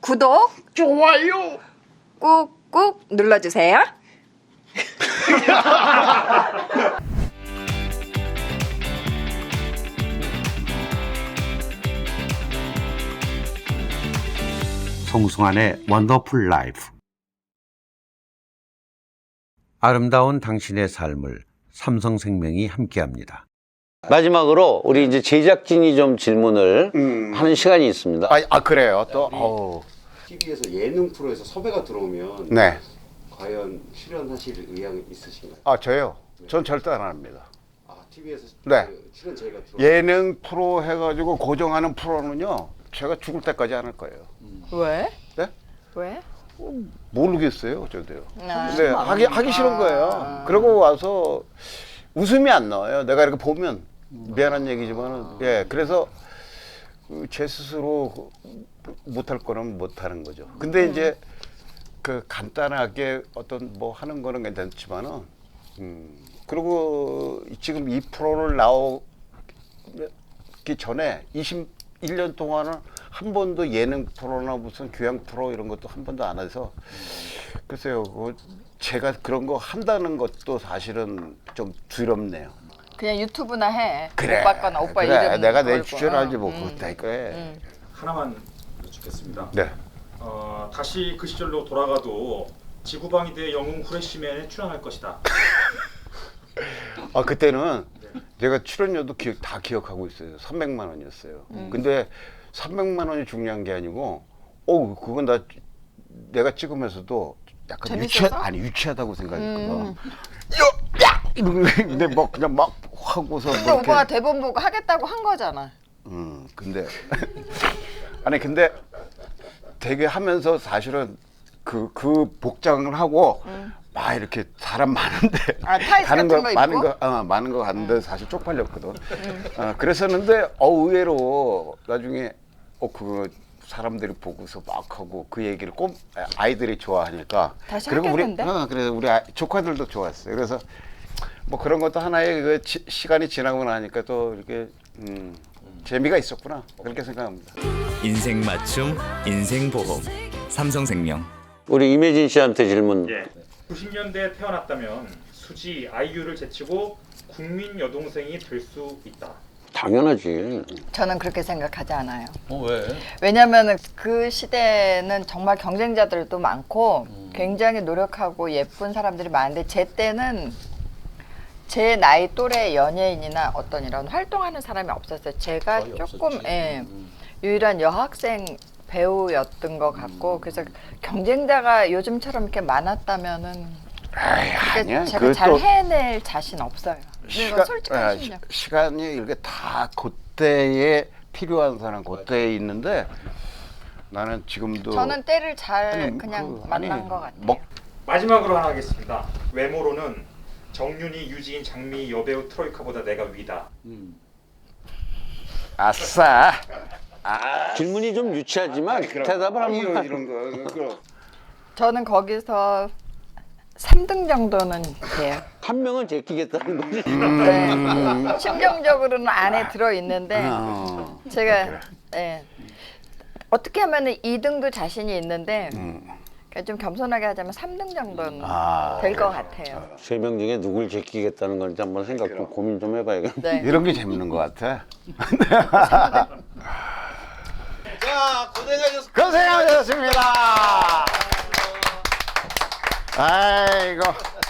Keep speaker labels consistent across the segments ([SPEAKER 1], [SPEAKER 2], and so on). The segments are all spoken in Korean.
[SPEAKER 1] 구독,
[SPEAKER 2] 좋아요.
[SPEAKER 1] 꾹꾹 눌러주세요.
[SPEAKER 3] 송승환의 원더풀 라이프. 아름다운 당신의 삶을 삼성생명이 함께합니다.
[SPEAKER 4] 마지막으로 우리 이제 제작진이 좀 질문을 하는 시간이 있습니다.
[SPEAKER 2] 그래요. 또
[SPEAKER 5] TV에서 예능 프로에서 섭외가 들어오면
[SPEAKER 2] 네.
[SPEAKER 5] 과연 출연하실 의향 있으신가요?
[SPEAKER 2] 저요. 전 절대 안 합니다.
[SPEAKER 5] TV에서
[SPEAKER 2] 네.
[SPEAKER 5] 출연 저희가 들어오면
[SPEAKER 2] 예능 프로 해가지고 고정하는 프로는요. 제가 죽을 때까지 안 할 거예요.
[SPEAKER 1] 왜?
[SPEAKER 2] 네?
[SPEAKER 1] 왜?
[SPEAKER 2] 모르겠어요, 저도요. 근데 하기 싫은 거예요. 그러고 와서 웃음이 안 나와요. 내가 이렇게 보면 미안한 얘기지만은 그래서 제 스스로 못할 거는 못하는 거죠. 근데 이제 그 간단하게 어떤 뭐 하는 거는 괜찮지만은 그리고 지금 이 프로를 나오기 전에 21년 동안은 한 번도 예능 프로나 무슨 교양 프로 이런 것도 한 번도 안 해서 글쎄요, 제가 그런 거 한다는 것도 사실은 좀 두렵네요.
[SPEAKER 1] 그냥 유튜브나 해.
[SPEAKER 2] 그래.
[SPEAKER 1] 오빠 거나 오빠
[SPEAKER 2] 그래.
[SPEAKER 1] 이름
[SPEAKER 2] 내가 내
[SPEAKER 1] 걸고.
[SPEAKER 2] 주제를 뭐 그것도 할 거야.
[SPEAKER 6] 하나만 여쭙겠습니다.
[SPEAKER 2] 네.
[SPEAKER 6] 다시 그 시절로 돌아가도 지구방위대 영웅 후레쉬맨에 출연할 것이다.
[SPEAKER 2] 그때는 제가 출연료도 다 기억하고 있어요. 300만 원이었어요. 근데 300만 원이 중요한 게 아니고, 그건 내가 찍으면서도 약간
[SPEAKER 1] 재밌어서?
[SPEAKER 2] 유치하다고 생각했거든. 야! 근데 뭐 그냥 막 하고서.
[SPEAKER 1] 근데 오빠가 대본 보고 하겠다고 한 거잖아.
[SPEAKER 2] 근데 근데 되게 하면서 사실은 그 복장을 하고 막 이렇게 사람 많은데
[SPEAKER 1] 타이즈 같은 거 입고?
[SPEAKER 2] 많은 거 갔는데 사실 쪽팔렸거든. 그랬었는데 의외로 나중에 그거 사람들이 보고서 막 하고 그 얘기를 아이들이 좋아하니까
[SPEAKER 1] 다시
[SPEAKER 2] 그리고
[SPEAKER 1] 하겠는데?
[SPEAKER 2] 그래서 우리 조카들도 좋았어요. 그래서 뭐 그런 것도 하나의 그 시간이 지나고 나니까 또 이렇게 재미가 있었구나 그렇게 생각합니다.
[SPEAKER 7] 인생 맞춤, 인생 보험, 삼성생명.
[SPEAKER 4] 우리 이매진 씨한테 질문.
[SPEAKER 6] 90년대에 태어났다면 수지 아이유를 제치고 국민 여동생이 될 수 있다.
[SPEAKER 4] 당연하지.
[SPEAKER 1] 저는 그렇게 생각하지 않아요.
[SPEAKER 4] 왜?
[SPEAKER 1] 왜냐면은 그 시대는 정말 경쟁자들도 많고 굉장히 노력하고 예쁜 사람들이 많은데 제 때는 제 나이 또래 연예인이나 어떤 이런 활동하는 사람이 없었어요. 제가 조금 유일한 여학생 배우였던 것 같고 그래서 경쟁자가 요즘처럼 이렇게 많았다면은
[SPEAKER 2] 아니야.
[SPEAKER 1] 제가 잘 해낼 자신 없어요. 솔직한 심령.
[SPEAKER 2] 시간이 이렇게 다 그때에 필요한 사람 그때에 있는데 나는 지금도
[SPEAKER 1] 저는 때를 잘 그냥 만난 것 같아요.
[SPEAKER 6] 마지막으로 하나 하겠습니다. 외모로는 정윤희, 유지인, 장미 여배우 트로이카보다 내가 위다.
[SPEAKER 2] 아싸.
[SPEAKER 4] 질문이 좀 유치하지만 대답을 한번.
[SPEAKER 2] 이런 거.
[SPEAKER 1] 저는 거기서 3등 정도는 돼요.
[SPEAKER 4] 한 명은 제끼겠다는 거지.
[SPEAKER 1] 네. 심정적으로는 안에 들어 있는데 제가 어떻게 하면은 2등도 자신이 있는데 그러니까 좀 겸손하게 하자면 3등 정도는 될 것 같아요.
[SPEAKER 4] 3명 중에 누굴 제끼겠다는 건지 한번 고민 좀 해봐야겠네.
[SPEAKER 1] 네.
[SPEAKER 2] 이런 게 재밌는 것 같아.
[SPEAKER 4] 자,
[SPEAKER 2] 고생하셨습니다. 아이고.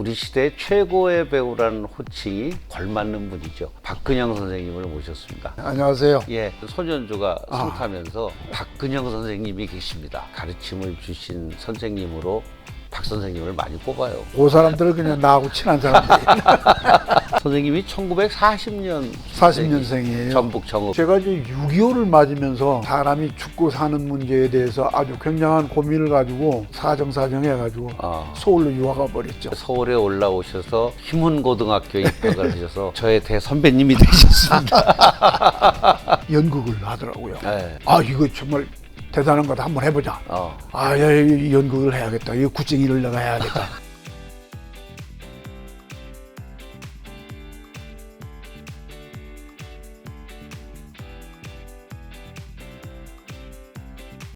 [SPEAKER 4] 우리 시대 최고의 배우라는 호칭이 걸맞는 분이죠. 박근영 선생님을 모셨습니다.
[SPEAKER 8] 안녕하세요.
[SPEAKER 4] 예, 손연주가 승타면서 박근영 선생님이 계십니다. 가르침을 주신 선생님으로 박 선생님을 많이 꼽아요.
[SPEAKER 8] 그 사람들은 그냥 나하고 친한 사람들이.
[SPEAKER 4] 선생님이 1940년
[SPEAKER 8] 40년생이에요.
[SPEAKER 4] 전북 정읍.
[SPEAKER 8] 제가 이제 6.25를 맞으면서 사람이 죽고 사는 문제에 대해서 아주 굉장한 고민을 가지고 사정해가지고 서울로 유학가 버렸죠.
[SPEAKER 4] 서울에 올라오셔서 희문고등학교에 입학을 하셔서 저의 대선배님이 되셨습니다.
[SPEAKER 8] 연극을 하더라고요.
[SPEAKER 4] 네.
[SPEAKER 8] 아, 이거 정말 대단한 거다. 한번 해보자. 아, 야, 이 연극을 해야겠다. 이 구쟁이를 내가 해야겠다.